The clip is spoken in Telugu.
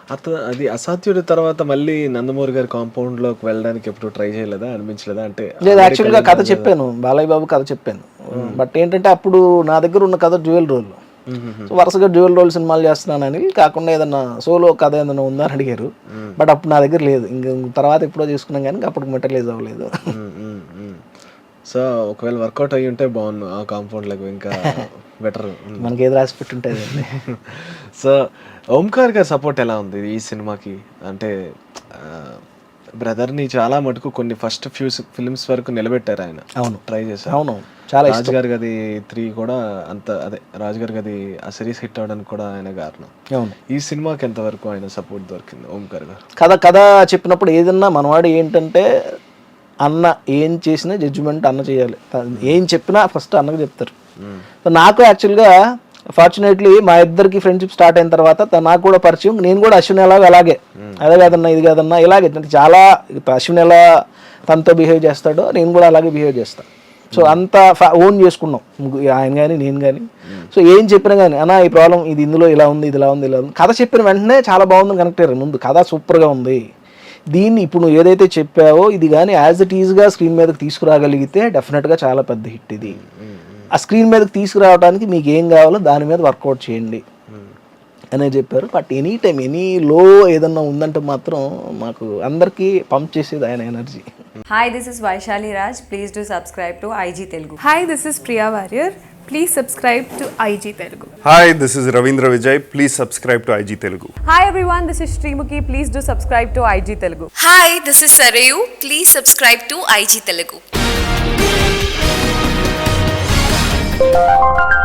అది అసాధ్యుడి తర్వాత మళ్ళీ నందమూరి గారి కాంపౌండ్లోకి వెళ్ళడానికి ఎప్పుడు ట్రై చేయలేదా, అనిపించలేదా? అంటే లేదు, యాక్చువల్గా కథ చెప్పాను, బాలయ్య బాబు కథ చెప్పాను. బట్ ఏంటంటే అప్పుడు నా దగ్గర ఉన్న కథ డ్యూయల్ రోల్. సో వరుసగా డ్యూయల్ రోల్ సినిమాలు చేస్తున్నానని కాకుండా ఏదన్నా సోలో కథ ఏదైనా ఉందా అని అడిగారు. బట్ అప్పుడు నా దగ్గర లేదు. ఇంక తర్వాత ఎప్పుడో చేసుకున్నాం కానీ అప్పుడు మెటీరియలైజ్ అవ్వలేదు. సో ఒకవేళ వర్కౌట్ అయ్యి ఉంటే బాగుండు ఆ కాంపౌండ్లకు, ఇంకా బెటర్. మనకి ఏది రాసి పెట్టి ఉంటుంది. సో ఓంకార్ గారి సపోర్ట్ ఎలా ఉంది ఈ సినిమాకి? అంటే బ్రదర్ని చాలా మటుకు కొన్ని ఫస్ట్ ఫ్యూ ఫిల్మ్స్ వరకు నిలబెట్టారు ఆయన. అవును, ట్రై చేశారు. అవును, చాలా రాజు గారి గది 3 కూడా అంత, అదే రాజు గారి గది ఆ సిరీస్ హిట్ అవడానికి కూడా ఆయన కారణం. అవును. ఈ సినిమాకి ఎంతవరకు ఆయన సపోర్ట్ దొరికింది ఓంకార్ గారు? కథ చెప్పినప్పుడు ఏదన్నా మనవాడు ఏంటంటే అన్న ఏం చేసినా జడ్జిమెంట్ అన్న చేయాలి. ఏం చెప్పినా ఫస్ట్ అన్నకు చెప్తారు. నాకు యాక్చువల్గా ఫార్చునేట్లీ మా ఇద్దరికి ఫ్రెండ్షిప్ స్టార్ట్ అయిన తర్వాత నాకు కూడా పరిచయం. నేను కూడా అశ్విన్ ఎలాగో అలాగే, అదే కాదన్నా ఇది కాదన్నా ఇలాగే చాలా అశ్విన్ ఎలా తనతో బిహేవ్ చేస్తాడో నేను కూడా అలాగే బిహేవ్ చేస్తాను. సో అంత ఓన్ చేసుకున్నాం ఆయన కానీ నేను కానీ. సో ఏం చెప్పినా కానీ అన్న ఈ ప్రాబ్లం ఇది, ఇందులో ఇలా ఉంది, ఇది ఇలా ఉంది, ఇలా ఉంది. కథ చెప్పిన వెంటనే చాలా బాగుందని కనెక్ట్ అయ్యారు. ముందు కథ సూపర్గా ఉంది, దీన్ని ఇప్పుడు నువ్వు ఏదైతే చెప్పావో ఇది కానీ యాజ్ ఇట్ ఈజ్గా స్క్రీన్ మీదకి తీసుకురాగలిగితే డెఫినెట్గా చాలా పెద్ద హిట్ ఇది. ఆ స్క్రీన్ మీదకి తీసుకురావడానికి మీకు ఏం కావాలో దాని మీద వర్కౌట్ చేయండి అనే చెప్పారు. బట్ ఎనీ టైం ఎనీ లో ఏదన్నా ఉందంటే మాత్రం మాకు అందరికీ పంప్ చేసేది ఆయన energy. Hi, this is Vaishali Raj. Please do subscribe to IG Telugu. Hi, this is Priya Warrior. Please subscribe to IG Telugu. Hi, this is Ravindra Vijay. Please subscribe to IG Telugu. Hi everyone, this is Srimuki. Please do subscribe to IG Telugu. Hi, this is Sarayu. Please subscribe to IG Telugu.